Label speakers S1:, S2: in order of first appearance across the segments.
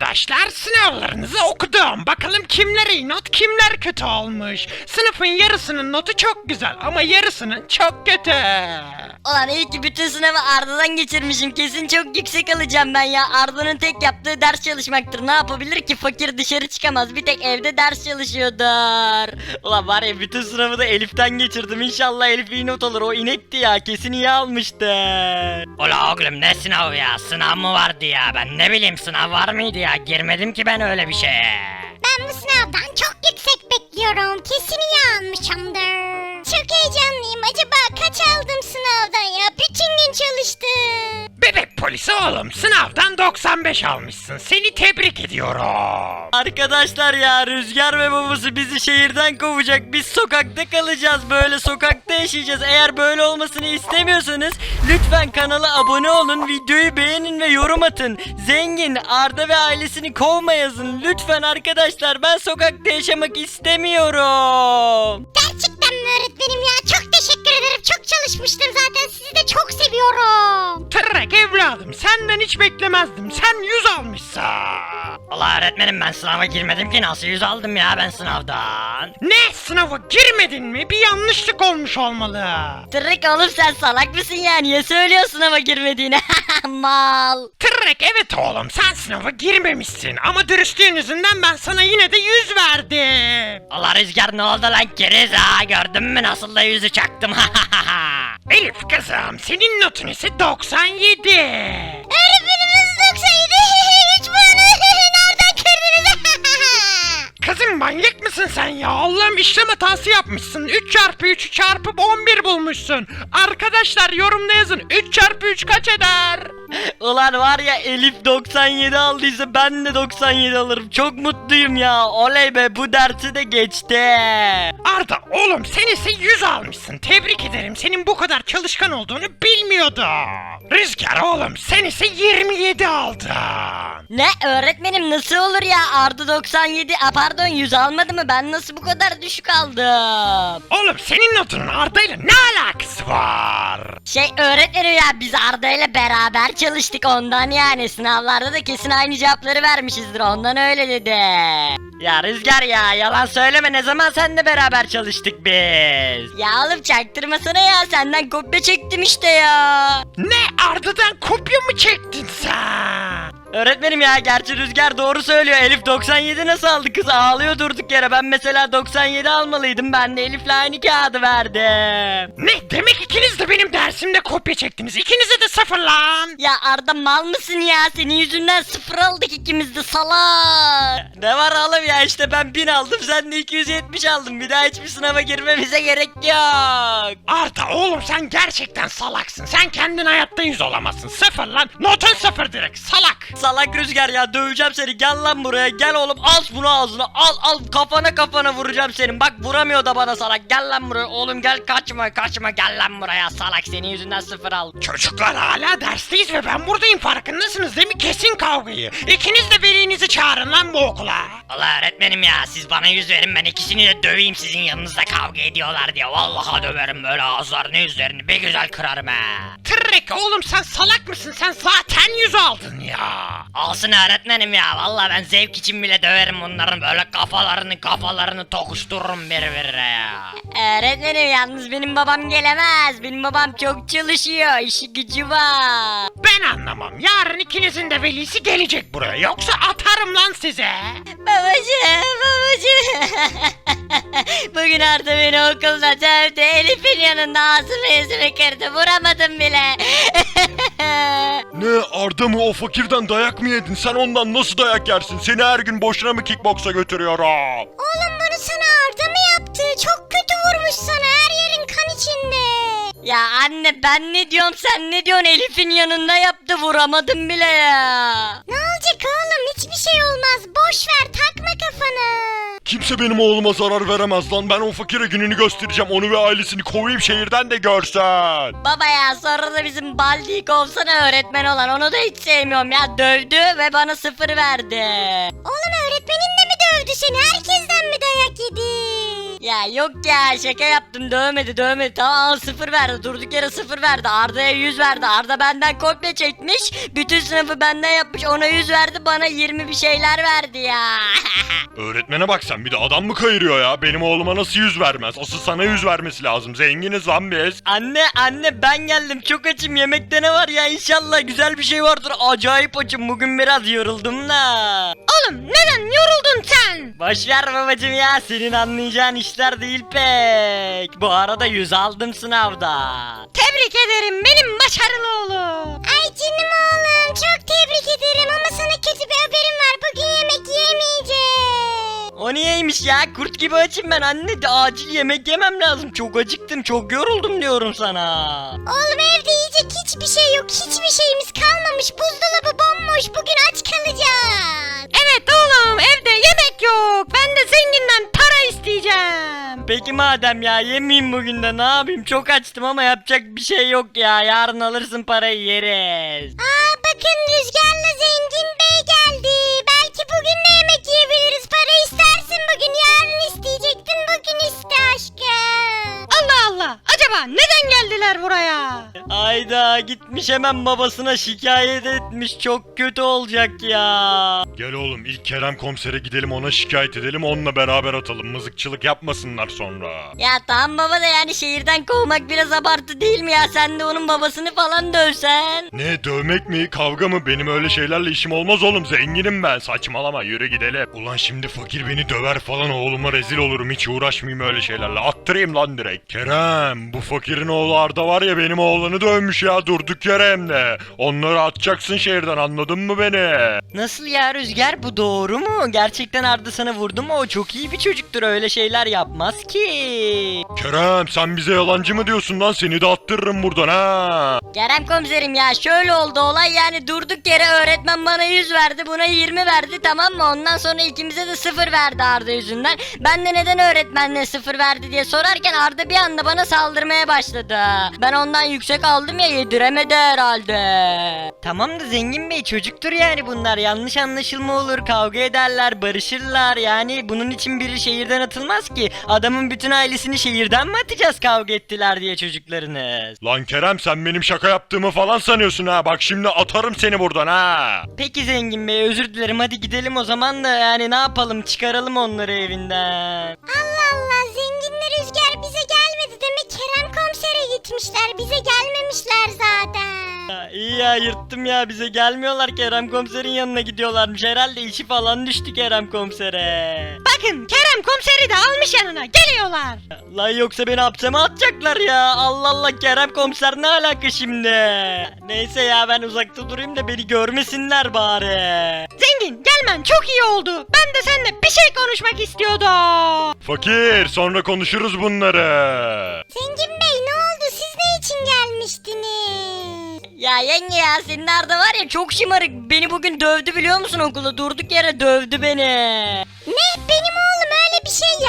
S1: arkadaşlar, sınavlarınızı okudum. Bakalım kimler iyi not, kimler kötü olmuş. Sınıfın yarısının notu çok güzel ama yarısının çok kötü.
S2: Ulan iyi ki bütün sınavı Arda'dan geçirmişim. Kesin çok yüksek alacağım ben ya. Arda'nın tek yaptığı ders çalışmaktır. Ne yapabilir ki? Fakir dışarı çıkamaz. Bir tek evde ders çalışıyordur. Ulan var ya, bütün sınavı da Elif'ten geçirdim. İnşallah Elif iyi not alır. O inekti ya. Kesin iyi almıştır.
S3: Ula oğlum, ne sınavı ya? Sınav mı vardı ya? Ben ne bileyim, sınav var mıydı ya? Girmedim ki ben öyle bir şeye.
S4: Ben bu sınavdan çok yüksek bekliyorum. Kesin iyi almışımdır. Çok heyecanlıyım. Acaba kaç aldım sınavdan ya? Bütün gün çalıştım.
S1: Bebek polisi oğlum, sınavdan 95 almışsın. Seni tebrik ediyorum.
S2: Arkadaşlar ya, Rüzgar ve babası bizi şehirden kovacak. Biz sokakta kalacağız. Böyle sokakta yaşayacağız. Eğer böyle olmasını istemiyorsanız lütfen kanala abone olun. Videoyu beğenin ve yorum atın. Zengin, Arda ve ailesini kovma yazın. Lütfen arkadaşlar, ben sokakta yaşamak istemiyorum.
S4: Gerçekten mi öğretmenim ya? Çok teşekkür ederim. Çok çalışmıştım zaten. Sizi de çok seviyorum.
S1: Tırrek evladım, senden hiç beklemezdim. Sen 100 almışsın.
S3: Ula öğretmenim, ben sınava girmedim ki, nasıl 100 aldım ya ben sınavdan?
S1: Ne, sınava girmedin mi? Bir yanlışlık olmuş olmalı.
S2: Tırrek oğlum, sen salak mısın ya? Niye söylüyorsun ama girmediğini? Mal.
S1: Tırrek, evet oğlum, sen sınava girmemişsin. Ama dürüstlüğün yüzünden ben sana yine de 100 verdim.
S3: Ula Rüzgar, ne oldu lan keriz ha? Gördün mü nasıl da yüzü çaktım?
S1: Elif kızım, senin notun ise 97.
S4: Öğretmenimiz 97. Hiç puanı nereden kırdınız?
S1: Kızım, manyak mısın sen ya? Allah'ım, işlem hatası yapmışsın. 3 çarpı 3'ü çarpıp 11 bulmuşsun. Arkadaşlar yorumda yazın. 3 çarpı 3 kaç eder?
S2: Ulan var ya, Elif 97 aldıysa ben de 97 alırım. Çok mutluyum ya. Oley be, bu dersi de geçti.
S1: Arda oğlum, sen ise 100 almışsın. Tebrik ederim. Senin bu kadar çalışkan olduğunu bilmiyordum. Rüzgar oğlum, sen ise 27 aldın.
S2: Ne öğretmenim, nasıl olur ya? Arda 97, pardon 100 almadı mı? Ben nasıl bu kadar düşük aldım?
S1: Oğlum, senin notunun Arda ile ne alakası var?
S2: Öğretmenim ya, biz Arda ile beraber çalıştık ondan, yani sınavlarda da kesin aynı cevapları vermişizdir, ondan öyle dedi. Ya Rüzgar ya, yalan söyleme, ne zaman seninle beraber çalıştık biz? Ya oğlum çaktırmasana ya, senden kopya çektim işte ya.
S1: Ne, Arda'dan kopya mı çektin sen?
S2: Öğretmenim ya, gerçi Rüzgar doğru söylüyor. Elif 97 nasıl aldı, kız ağlıyor durduk yere. Ben mesela 97 almalıydım, ben de Elif'le aynı kağıdı verdim.
S1: Ne, demek ikiniz de benim dersimde kopya çektiniz. İkinize de 0 lan.
S2: Ya Arda, mal mısın ya? Senin yüzünden 0 aldık ikimiz de, salak. Ne var oğlum ya, işte ben 1000 aldım, sen de 270 aldın. Bir daha hiçbir sınava girmemize gerek yok.
S1: Arda oğlum, sen gerçekten salaksın. Sen kendin hayatta 100 olamazsın. 0 lan. Notun 0 direkt, salak.
S2: Salak Rüzgar ya, döveceğim seni, gel lan buraya, gel oğlum, al bunu ağzına, al kafana vuracağım senin. Bak vuramıyor da bana, salak, gel lan buraya oğlum, gel, kaçma, gel lan buraya, salak, senin yüzünden 0 aldım.
S1: Çocuklar, hala dersteyiz ve ben buradayım, farkındasınız değil mi? Kesin kavgayı. İkiniz de velinizi çağırın lan bu okula.
S3: Ula öğretmenim ya, siz bana 100 verin, ben ikisini de döveyim sizin yanınızda kavga ediyorlar diye. Vallahi döverim, böyle ağızlarını yüzlerini bir güzel kırarım ha.
S1: Tırrek oğlum, sen salak mısın? Sen zaten 100 aldın ya.
S3: Olsun öğretmenim ya, vallahi ben zevk için bile döverim bunların, böyle kafalarını tokuştururum birbirine ya.
S2: Öğretmenim yalnız benim babam gelemez, benim babam çok çalışıyor, işi gücü var.
S1: Ben anlamam. Yarın ikinizin de velisi gelecek buraya. Yoksa atarım lan size.
S2: Babacığım. Bugün Arda beni okulda dövdü, Elif'in yanında ağzımı yüzümü kırdı, vuramadım bile.
S5: Ne, Arda mı, o fakirden dayak mı yedin? Sen ondan nasıl dayak yersin? Seni her gün boşuna mı kickboksa götürüyorum?
S4: Oğlum, bunu sana Arda mı yaptı? Çok kötü vurmuş sana. Her yerin kan içinde.
S2: Ya anne, ben ne diyorum sen ne diyorsun? Elif'in yanında yaptı, vuramadım bile ya.
S4: Ne olacak oğlum? Hiçbir şey olmaz. Boş ver, takma kafanı.
S5: Kimse benim oğluma zarar veremez lan. Ben o fakire gününü göstereceğim. Onu ve ailesini kovayım şehirden de görsen.
S2: Baba ya, sonra da bizim Baldi'yi kovsana, öğretmen olan, onu da hiç sevmiyorum ya, dövdü ve bana 0 verdi.
S4: Oğlum, öğretmenin de mi dövdü seni? Herkesten mi dayak yedi?
S2: Ya yok ya, şaka yaptım, dövmedi. Tamam, 0 verdi, durduk yere 0 verdi. Arda'ya 100 verdi. Arda benden kopya çekmiş, bütün sınıfı benden yapmış, ona 100 verdi, bana 20 bir şeyler verdi ya.
S5: Öğretmene bak sen, bir de adam mı kayırıyor ya? Benim oğluma nasıl 100 vermez? Asıl sana 100 vermesi lazım. Zenginiz lan biz.
S2: Anne ben geldim, çok açım, yemekte ne var ya? İnşallah güzel bir şey vardır. Acayip açım, bugün biraz yoruldum da.
S1: Oğlum neden yoruldun sen?
S2: Boşver babacım ya, senin anlayacağın işler değil pek. Bu arada 100 aldım sınavda.
S1: Tebrik ederim benim başarılı oğlum.
S4: Ay canım oğlum çok tebrik ederim ama sana kötü bir haberim var. Bugün yemek yemeyeceğim.
S2: O niyeymiş ya? Kurt gibi açım ben anne, de acil yemek yemem lazım. Çok acıktım, çok yoruldum diyorum sana.
S4: Oğlum evde yiyecek hiçbir şey yok. Hiçbir şeyimiz kalmamış. Buzdolabı bomboş. Bugün aç kalacağız.
S1: Evet oğlum evde yemek yok. Ben de zenginden para isteyeceğim.
S2: Peki madem ya, yemeyeyim bugün de, ne yapayım? Çok açtım ama yapacak bir şey yok ya. Yarın alırsın, parayı yeriz.
S4: Aa bakın Rüzgar'la Zengin Bey geldi. Belki bugün de yemek yiyebiliriz. Para istersin bugün. Yarın isteyecektin. Bugün iste aşkım.
S1: Allah Allah. Acaba neden geldiler buraya?
S2: Ayda gitmiş, hemen babasına şikayet etmiş. Çok kötü olacak ya.
S5: Gel oğlum, ilk Kerem komisere gidelim, ona şikayet edelim, onunla beraber atalım. Mızıkçılık yapmasınlar sonra.
S2: Ya tamam baba da, yani şehirden kovmak biraz abartı değil mi ya? Sen de onun babasını falan dövsen.
S5: Ne, dövmek mi, kavga mı? Benim öyle şeylerle işim olmaz oğlum, zenginim ben. Saçmalama, yürü gidelim. Ulan şimdi fakir beni döver falan, oğluma rezil olurum. Hiç uğraşmayayım öyle şeylerle, attırayım lan direkt. Kerem, bu fakirin oğlu Arda var ya, benim oğlanı dövmüş ya, durduk yere hem de. Onları atacaksın şehirden, anladın mı beni?
S2: Nasıl ya Rüzgar, bu doğru mu? Gerçekten Arda sana vurdu mu? O çok iyi bir çocuktur, öyle şeyler yapmaz ki.
S5: Kerem, sen bize yalancı mı diyorsun lan? Seni de attırırım buradan ha.
S2: Kerem komiserim ya, şöyle oldu olay, yani durduk yere öğretmen bana 100 verdi, buna 20 verdi, tamam mı? Ondan sonra ikimize de 0 verdi Arda yüzünden. Ben de neden öğretmenle 0 verdi diye sorarken Arda bir anda bana saldırmaya başladı. Ben ondan yüksek aldım ya, yediremedi herhalde. Tamam da Zengin Bey, çocuktur yani bunlar, yanlış anlaşılma olur, kavga ederler, barışırlar, yani bunun için biri şehirden atılmaz ki. Adamın bütün ailesini şehirden mi atacağız kavga ettiler diye çocuklarınız?
S5: Lan Kerem, sen benim şaka yaptığımı falan sanıyorsun ha. Bak şimdi atarım seni buradan ha.
S2: Peki Zengin Bey, özür dilerim, hadi gidelim o zaman da, yani ne yapalım, çıkaralım onları evinden.
S4: Allah Allah Zenginle Rüzgar bize gelmedi. Demek Kerem komisere gitmişler. Bize gelmemişler zaten.
S2: İyi ya, yırttım ya, bize gelmiyorlar, Kerem komiserin yanına gidiyorlarmış, herhalde işi falan düştü Kerem komisere.
S1: Bakın Kerem komiseri de almış yanına. Geliyorlar.
S2: Lan yoksa beni hapse mi atacaklar ya? Allah Allah, Kerem komiser ne alaka şimdi? Neyse ya, ben uzakta durayım da beni görmesinler bari.
S1: Zengin gelmen çok iyi oldu. Ben de seninle bir şey konuşmak istiyordum.
S5: Fakir, sonra konuşuruz bunları.
S4: Zengin Bey ne oldu? Siz ne için gelmiştiniz?
S2: Ya yenge ya, senin Arda var ya, çok şımarık, beni bugün dövdü biliyor musun okulda, durduk yere dövdü beni.
S4: Ne? Benim oğlum öyle bir şey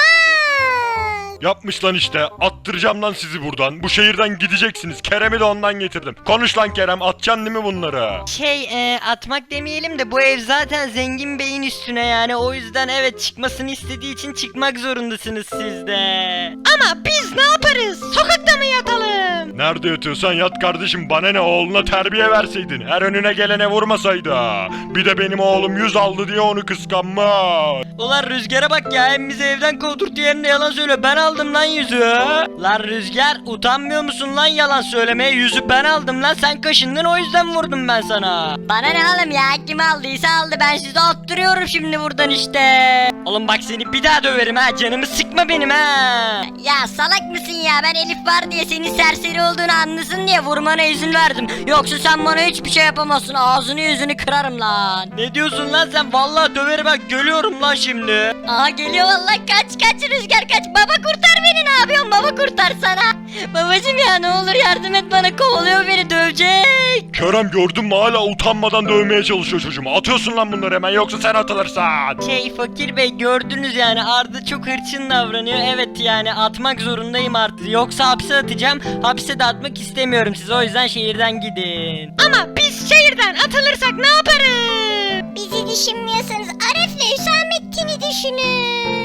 S4: yapmaz.
S5: Yapmış lan işte. Attıracağım lan sizi buradan. Bu şehirden gideceksiniz. Kerem'i de ondan getirdim. Konuş lan Kerem. Atacaksın değil mi bunları?
S2: Atmak demeyelim de, bu ev zaten Zengin Bey'in üstüne, yani o yüzden evet, çıkmasını istediği için çıkmak zorundasınız siz de.
S1: Ama biz ne yaparız? Sokakta mı yatalım?
S5: Nerede yatıyorsan yat kardeşim. Bana ne, oğluna terbiye verseydin. Her önüne gelene vurmasaydı. Bir de benim oğlum 100 aldı diye onu kıskanma.
S2: Ulan Rüzgar'a bak ya, hem bizi evden kovdurtu, yerine yalan söyle, ben aldım lan yüzü. Lan Rüzgar, utanmıyor musun lan yalan söylemeye? Yüzü ben aldım lan, sen kaşındın, o yüzden vurdum ben sana. Bana ne oğlum ya, kim aldıysa aldı, ben sizi attırıyorum şimdi buradan işte. Oğlum bak, seni bir daha döverim ha, canımı sıkma benim ha. Ya salak mısın ya, ben Elif var diye senin serseri olduğunu anlasın diye vurmana izin verdim. Yoksa sen bana hiçbir şey yapamazsın, ağzını yüzünü kırarım lan. Ne diyorsun lan sen, vallahi döverim bak, geliyorum lan şimdi. Aha geliyor vallahi, kaç Rüzgar kaç, baba kurtar beni, ne yapıyorsun baba, kurtarsana. Babacım ya, ne olur yardım et bana, kovalıyor beni, dövecek.
S5: Kerem, gördün mü, hala utanmadan dövmeye çalışıyor çocuğumu. Atıyorsun lan bunları hemen, yoksa sen atılırsan.
S2: Fakir bey, gördünüz yani, Arda çok hırçın davranıyor, evet yani atmak zorundayım artık, yoksa hapse atacağım, hapse de atmak istemiyorum sizi, o yüzden şehirden gidin.
S1: Ama biz şehirden atılırsak ne yaparız?
S4: Bizi düşünmüyorsanız Aref'le Hüsamettin'i düşünün.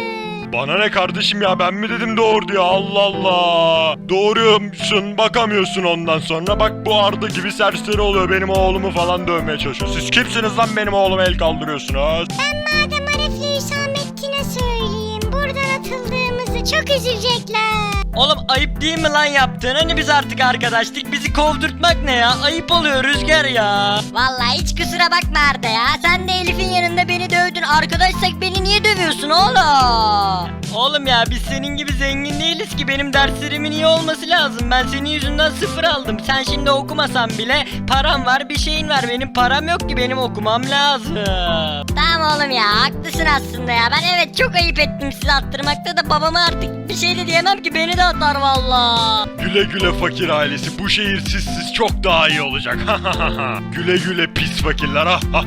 S5: Bana ne kardeşim ya, ben mi dedim doğur diye, Allah Allah. Doğuruyormuşsun, bakamıyorsun ondan sonra. Bak bu Arda gibi serseri oluyor, benim oğlumu falan dövmeye çalışıyor. Siz kimsiniz lan benim oğluma el kaldırıyorsunuz?
S4: Ben madem Arif'le Hüsamettin'e söyleyeyim. Buradan atıldığımızı çok üzülecekler.
S2: Oğlum ayıp değil mi lan yaptığın? Hani biz artık arkadaştık, bizi kovdurtmak ne ya? Ayıp oluyor Rüzgar ya.
S6: Vallahi hiç kusura bakma Arda ya. Sen de Elif'in yanında beni dövdün. Arkadaşsak beni niye dövüyorsun oğlum?
S2: Oğlum ya biz senin gibi zengin değiliz ki, benim derslerimin iyi olması lazım. Ben senin yüzünden 0 aldım. Sen şimdi okumasan bile param var, bir şeyin var. Benim param yok ki, benim okumam lazım.
S6: Tamam oğlum ya, haklısın aslında ya. Ben evet çok ayıp ettim sizi attırmakta da, babama artık bir şey de diyemem ki, beni de atar valla.
S5: Güle güle fakir ailesi, bu şehir sizsiz çok daha iyi olacak. Güle güle pis fakirler.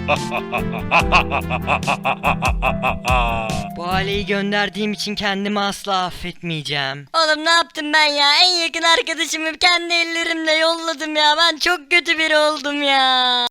S2: Bu aileyi gönderdiğim için kendimi asla affetmeyeceğim.
S6: Oğlum ne yaptım ben ya? En yakın arkadaşımı kendi ellerimle yolladım ya. Ben çok kötü biri oldum ya.